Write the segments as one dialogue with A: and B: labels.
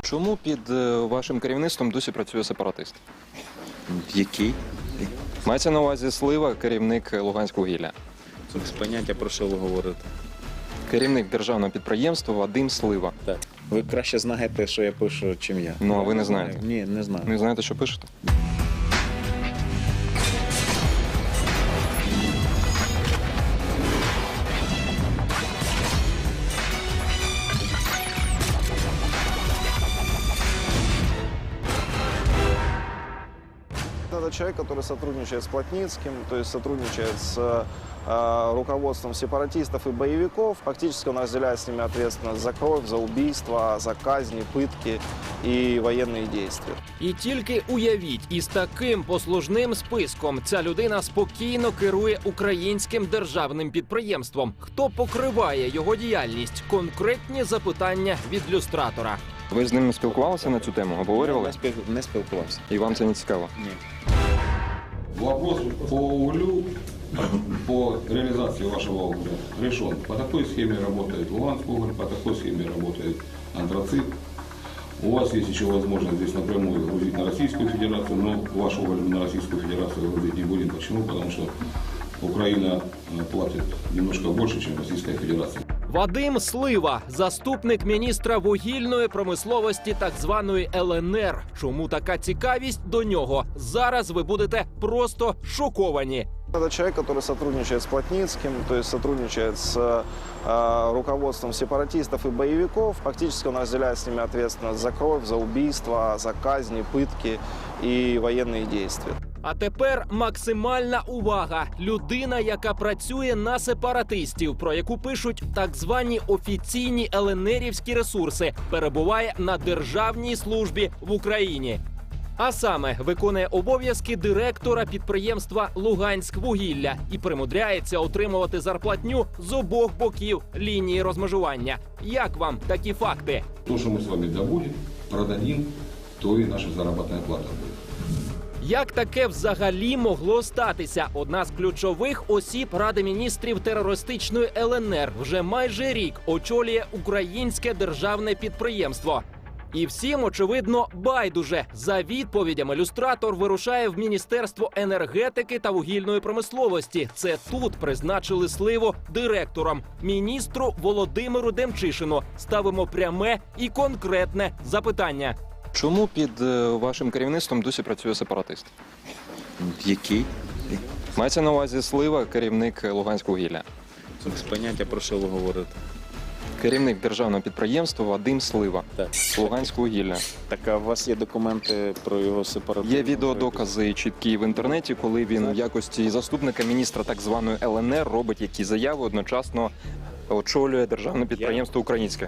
A: Чому під вашим керівництвом досі працює сепаратист?
B: Який?
A: Мається на увазі Слива, керівник Луганськвугілля.
B: Без поняття, про що ви говорите.
A: Керівник державного підприємства Вадим Слива.
B: Так. Ви краще знаєте, що я пишу, чим я.
A: Ну, а ви не знаєте?
B: Ні, не знаю.
A: Не знаєте, що пишете?
C: Это человек, который сотрудничает с Плотницким, то есть сотрудничает с руководством сепаратистов и боевиков. Фактически он разделяет с ними ответственность за кровь, за убийства, за казни, пытки и военные действия.
D: І тільки уявіть, із таким послужним списком ця людина спокійно керує українським державним підприємством. Хто покриває його діяльність? Конкретні запитання від люстратора.
A: Ви з ним спілкувалися на цю тему? Обговорювали?
B: Не спілкувався.
A: І вам це не цікаво?
B: Ні.
E: Вопрос по углю, по реализации вашего угля решен. По такой схеме работает Луганский уголь, по такой схеме работает антрацит. У вас есть еще возможность здесь напрямую грузить на Российскую Федерацию, но ваш уголь мы на Российскую Федерацию грузить не будем. Почему? Потому что Украина платит немножко больше, чем Российская Федерация.
D: Вадим Слива, заступник міністра вугільної промисловості так званої ЛНР. Чому така цікавість до нього? Зараз ви будете просто шоковані.
C: Это человек, который сотрудничает с Плотницким, то есть сотрудничает с руководством сепаратистов и боевиков. Фактически он разделяет с ними ответственность за кровь, за убийства, за казни, пытки и военные действия.
D: А тепер максимальна увага. Людина, яка працює на сепаратистів, про яку пишуть так звані офіційні ЛНРівські ресурси, перебуває на державній службі в Україні. А саме виконує обов'язки директора підприємства «Луганськвугілля» і примудряється отримувати зарплатню з обох боків лінії розмежування. Як вам такі факти?
E: То, что мы с вами добудем, продадим, то и наша заработная плата будет.
D: Як таке взагалі могло статися? Одна з ключових осіб Ради міністрів терористичної ЛНР вже майже рік очолює українське державне підприємство. І всім, очевидно, байдуже. За відповідями люстратор вирушає в Міністерство енергетики та вугільної промисловості. Це тут призначили Сливу директором. Міністру Володимиру Демчишину ставимо пряме і конкретне запитання.
A: Чому під вашим керівництвом досі працює сепаратист?
B: Який?
A: Мається на увазі Слива, керівник Луганськвугілля.
B: Без поняття, про що ви говорите.
A: Керівник державного підприємства Вадим Слива.
B: Так.
A: Луганськвугілля.
B: Так, а у вас є документи про його сепаратизм?
A: Є відеодокази чіткі в інтернеті, коли він в якості заступника міністра так званої ЛНР робить які заяви, одночасно очолює державне підприємство українське.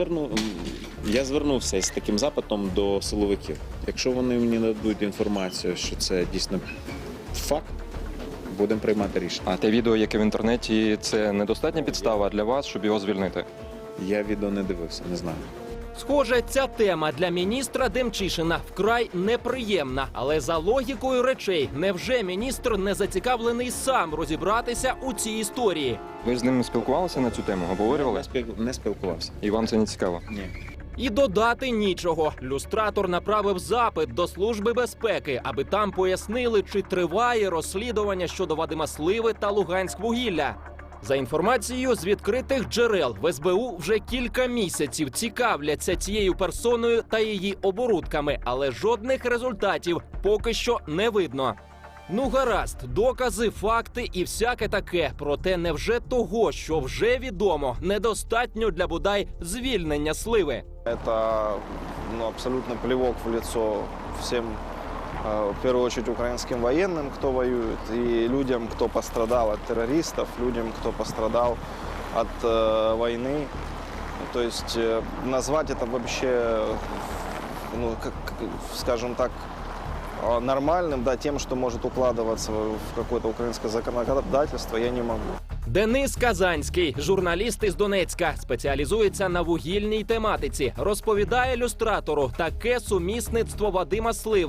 B: Я звернувся з таким запитом до силовиків. Якщо вони мені дадуть інформацію, що це дійсно факт, будемо приймати рішення.
A: А те відео, яке в інтернеті, це недостатня підстава для вас, щоб його звільнити?
B: Я відео не дивився, не знаю.
D: Схоже, ця тема для міністра Демчишина вкрай неприємна. Але за логікою речей, невже міністр не зацікавлений сам розібратися у цій історії?
A: Ви з ним спілкувалися на цю тему? Обговорювали?
B: Не спілкувався.
A: І вам це не цікаво?
B: Ні.
D: І додати нічого. Люстратор направив запит до Служби безпеки, аби там пояснили, чи триває розслідування щодо Вадима Сливи та Луганськвугілля. За інформацією з відкритих джерел, в СБУ вже кілька місяців цікавляться цією персоною та її оборудками, але жодних результатів поки що не видно. Ну гаразд, докази, факти і всяке таке. Проте невже того, що вже відомо, недостатньо для бодай звільнення Сливи?
C: Это абсолютно плевок в лицо всем, в первую очередь, украинским военным, кто воюет, и людям, кто пострадал от террористов, людям, кто пострадал от войны. То есть назвать это вообще, скажем так, нормальным, да, тем, что может укладываться в какое-то украинское законодательство, я не могу.
D: Денис Казанський, журналіст із Донецька, спеціалізується на вугільній тематиці. Розповідає люстратору, таке сумісництво Вадима Сливи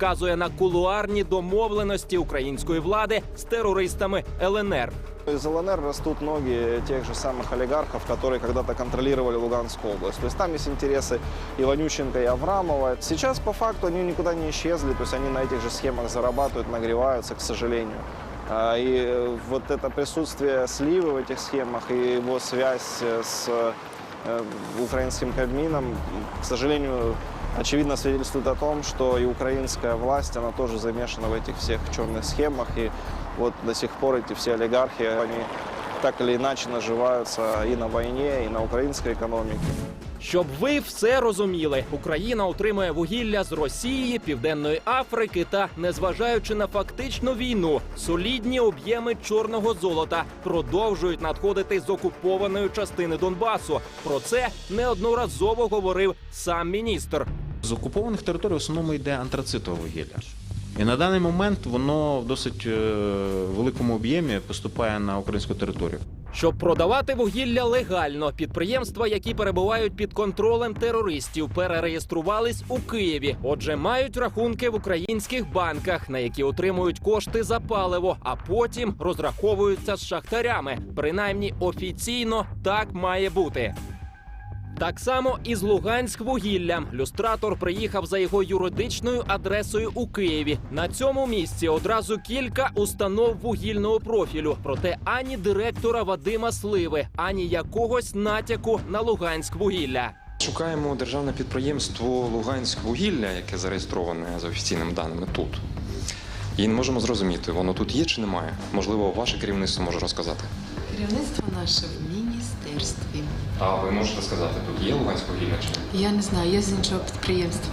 D: вказує на кулуарні домовленості української влади з терористами ЛНР.
C: Из ЛНР растут ноги тех же самых олигархов, которые когда-то контролировали Луганскую область. То есть там есть интересы Иванющенко и Аврамова. Сейчас по факту они никуда не исчезли, то есть они на этих же схемах зарабатывают, нагреваются, к сожалению. И вот это присутствие Сливы в этих схемах и его связь с украинским Кабмином, к сожалению, очевидно свидетельствует о том, что и украинская власть, она тоже замешана в этих всех черных схемах. И вот до сих пор эти все олигархи, они так или иначе наживаются и на войне, и на украинской экономике.
D: Щоб ви все розуміли, Україна отримує вугілля з Росії, Південної Африки та, незважаючи на фактичну війну, солідні об'єми чорного золота продовжують надходити з окупованої частини Донбасу. Про це неодноразово говорив сам міністр.
F: З окупованих територій в основному йде антрацитове вугілля. І на даний момент воно в досить великому об'ємі поступає на українську територію.
D: Щоб продавати вугілля легально, підприємства, які перебувають під контролем терористів, перереєструвались у Києві. Отже, мають рахунки в українських банках, на які отримують кошти за паливо, а потім розраховуються з шахтарями. Принаймні офіційно так має бути. Так само і з Луганськвугіллям. Люстратор приїхав за його юридичною адресою у Києві. На цьому місці одразу кілька установ вугільного профілю. Проте ані директора Вадима Сливи, ані якогось натяку на Луганськвугілля.
A: Шукаємо державне підприємство «Луганськвугілля», яке зареєстроване за офіційними даними тут. І не можемо зрозуміти, воно тут є чи немає. Можливо, ваше керівництво може розказати.
G: Керівництво наше в міністерстві.
A: А ви можете сказати, тут є Луганськвугілля чи ні?
G: Я не знаю, я з іншого підприємства.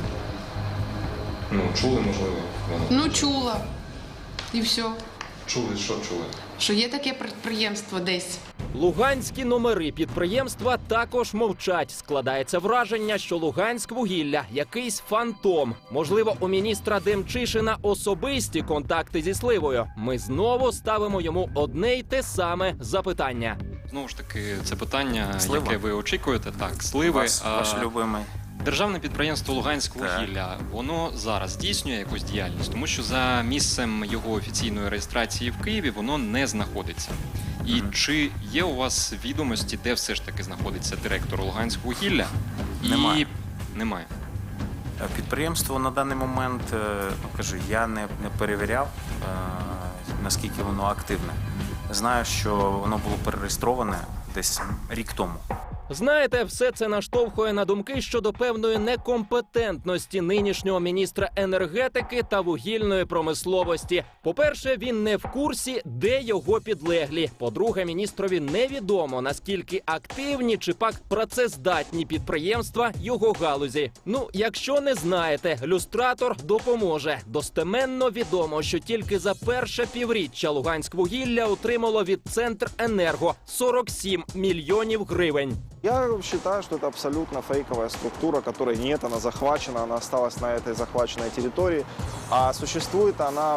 A: Ну, чули, можливо, воно?
G: Ну, чула. І все.
A: Чули, що чули?
G: Що є таке підприємство десь.
D: Луганські номери підприємства також мовчать. Складається враження, що Луганськвугілля – якийсь фантом. Можливо, у міністра Демчишина особисті контакти зі Сливою. Ми знову ставимо йому одне й те саме запитання.
H: Знову ж таки, це питання,
F: Слива.
H: яке ви очікуєте, так, Сливи.
F: Ваш любимий.
H: Державне підприємство «Луганськвугілля», воно зараз здійснює якусь діяльність, тому що за місцем його офіційної реєстрації в Києві воно не знаходиться. І чи є у вас відомості, де все ж таки знаходиться директор «Луганськвугілля»?
F: Немає.
H: Немає.
F: Підприємство на даний момент, я не перевіряв, наскільки воно активне. Знаю, що воно було перереєстроване десь рік тому.
D: Знаєте, все це наштовхує на думки щодо певної некомпетентності нинішнього міністра енергетики та вугільної промисловості. По-перше, він не в курсі, де його підлеглі. По-друге, міністрові невідомо, наскільки активні чи пак працездатні підприємства його галузі. Ну, якщо не знаєте, люстратор допоможе. Достеменно відомо, що тільки за перше півріччя Луганськвугілля отримало від Центренерго 47 мільйонів гривень.
C: Я считаю, что это абсолютно фейковая структура, которой нет, она захвачена, она осталась на этой захваченной территории, а существует она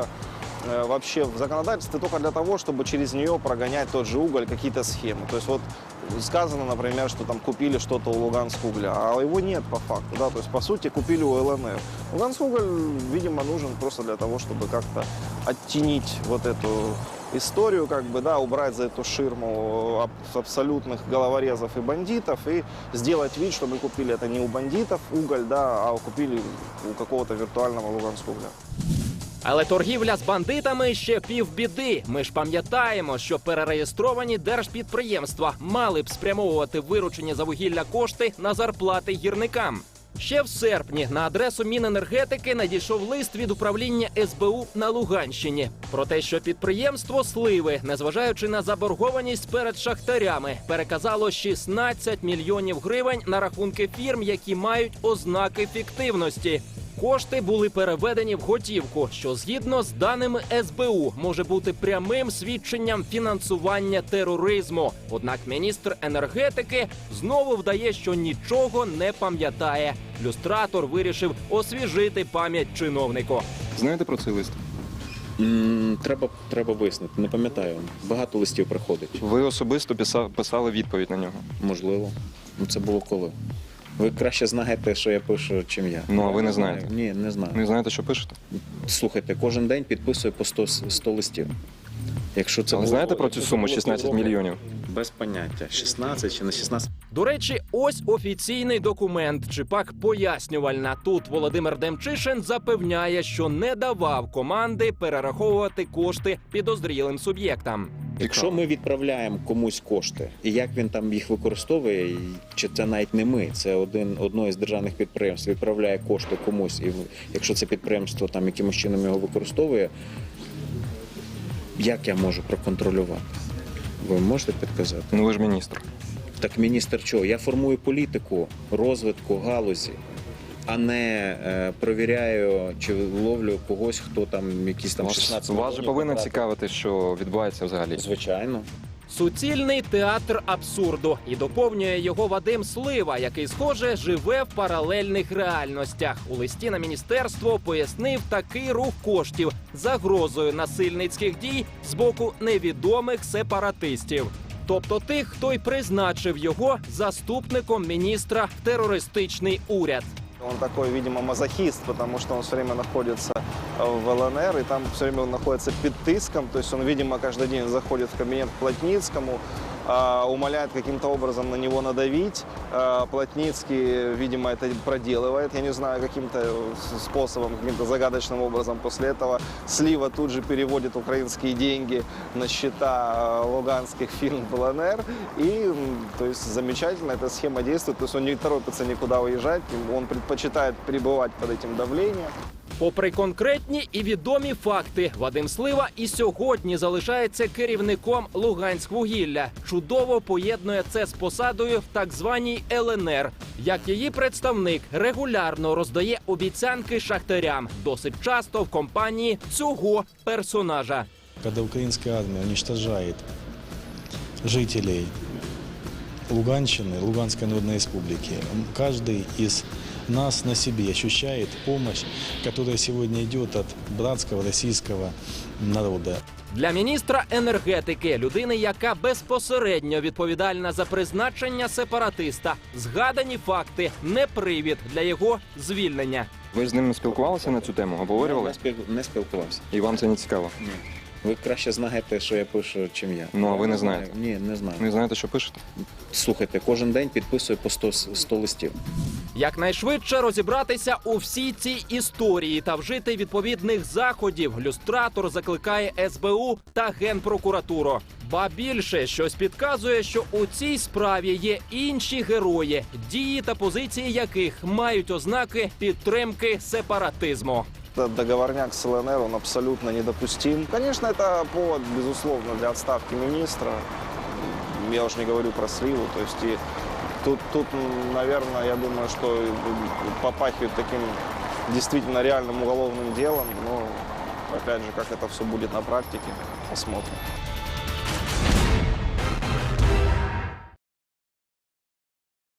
C: вообще в законодательстве только для того, чтобы через нее прогонять тот же уголь, какие-то схемы. То есть вот сказано, например, что там купили что-то у Луганскугля, а его нет по факту, да, то есть по сути купили у ЛНР. Луганскуголь, видимо, нужен просто для того, чтобы как-то оттенить вот эту историю, убрать за эту ширму абсолютных головорезов и бандитов и сделать вид, что мы купили это не у бандитов уголь, а купили у какого-то виртуального Луганскугля.
D: Але торгівля з бандитами ще півбіди. Ми ж пам'ятаємо, що перереєстровані держпідприємства мали б спрямовувати виручені за вугілля кошти на зарплати гірникам. Ще в серпні на адресу Міненергетики надійшов лист від управління СБУ на Луганщині про те, що підприємство Сливи, незважаючи на заборгованість перед шахтарями, переказало 16 мільйонів гривень на рахунки фірм, які мають ознаки фіктивності. Кошти були переведені в готівку, що згідно з даними СБУ може бути прямим свідченням фінансування тероризму. Однак міністр енергетики знову вдає, що нічого не пам'ятає. Люстратор вирішив освіжити пам'ять чиновнику.
A: Знаєте про цей лист?
B: Треба вияснити, не пам'ятаю. Багато листів приходить.
A: Ви особисто писали відповідь на нього?
B: Можливо. Це було коли? Ви краще знаєте, що я пишу, чим я.
A: Ну, а ви не знаєте?
B: Ні, не знаю.
A: Не знаєте, що пишете?
B: Слухайте, кожен день підписую по 100 листів. Якщо це
A: Але
B: було-
A: знаєте про цю
B: якщо це
A: суму
B: було
A: 16
B: півроку,
A: мільйонів?
B: Без поняття. 16 чи не 16.
D: До речі, ось офіційний документ, чи пак пояснювальна. Тут Володимир Демчишин запевняє, що не давав команди перераховувати кошти підозрілим суб'єктам.
B: Якщо ми відправляємо комусь кошти, і як він там їх використовує, і чи це навіть не ми, це одно із державних підприємств відправляє кошти комусь, і якщо це підприємство там якимось чином його використовує, як я можу проконтролювати? Ви можете підказати?
A: Ну ви ж міністр.
B: Так міністр чого? Я формую політику розвитку галузі, а не перевіряю чи ловлю когось, хто там якісь там 16
A: Вас же
B: мільйонів
A: повинно
B: потратив.
A: цікавити, що відбувається взагалі.
B: Звичайно.
D: Суцільний театр абсурду. І доповнює його Вадим Слива, який, схоже, живе в паралельних реальностях. У листі на міністерство пояснив такий рух коштів загрозою насильницьких дій з боку невідомих сепаратистів. Тобто тих, хто й призначив його заступником міністра в терористичний уряд.
C: Он такой, видимо, мазохист, потому что он все время находится в ЛНР, и там все время он находится под тиском, то есть он, видимо, каждый день заходит в кабинет к Плотницкому, умоляет каким-то образом на него надавить. Плотницкий, видимо, это проделывает, я не знаю, каким-то способом, каким-то загадочным образом. После этого Слива тут же переводит украинские деньги на счета луганских фирм в ЛНР, и, то есть, замечательно эта схема действует, то есть он не торопится никуда уезжать, он предпочитает пребывать под этим давлением.
D: Попри конкретні і відомі факти, Вадим Слива і сьогодні залишається керівником Луганськвугілля. Чудово поєднує це з посадою в так званій ЛНР. Як її представник регулярно роздає обіцянки шахтарям, досить часто в компанії цього персонажа.
I: Когда украинская армия уничтожает жителей Луганщины, Луганской Народной Республики, каждый из нас на себе ощущает помощь, которая сегодня идет от братского российского народа.
D: Для міністра енергетики, людини, яка безпосередньо відповідальна за призначення сепаратиста, згадані факти не привід для його звільнення.
A: Ви з ним спілкувалися на цю тему, обговорювали?
B: Не спілкувався.
A: І вам це не цікаво?
B: Ні. Ви краще знаєте, що я пишу, чим я.
A: Ну, а ви не знаєте?
B: Ні, не знаю.
A: Не знаєте, що пишете?
B: Слухайте, кожен день підписую по 100 листів.
D: Якнайшвидше розібратися у всій цій історії та вжити відповідних заходів, люстратор закликає СБУ та Генпрокуратуру. Ба більше, щось підказує, що у цій справі є інші герої, дії та позиції яких мають ознаки підтримки сепаратизму.
C: Этот договорняк с ЛНР, он абсолютно недопустим. Конечно, это повод, безусловно, для отставки министра. Я уж не говорю про Сливу. То есть и тут, наверное, я думаю, что попахивает таким действительно реальным уголовным делом. Но, опять же, как это все будет на практике, посмотрим.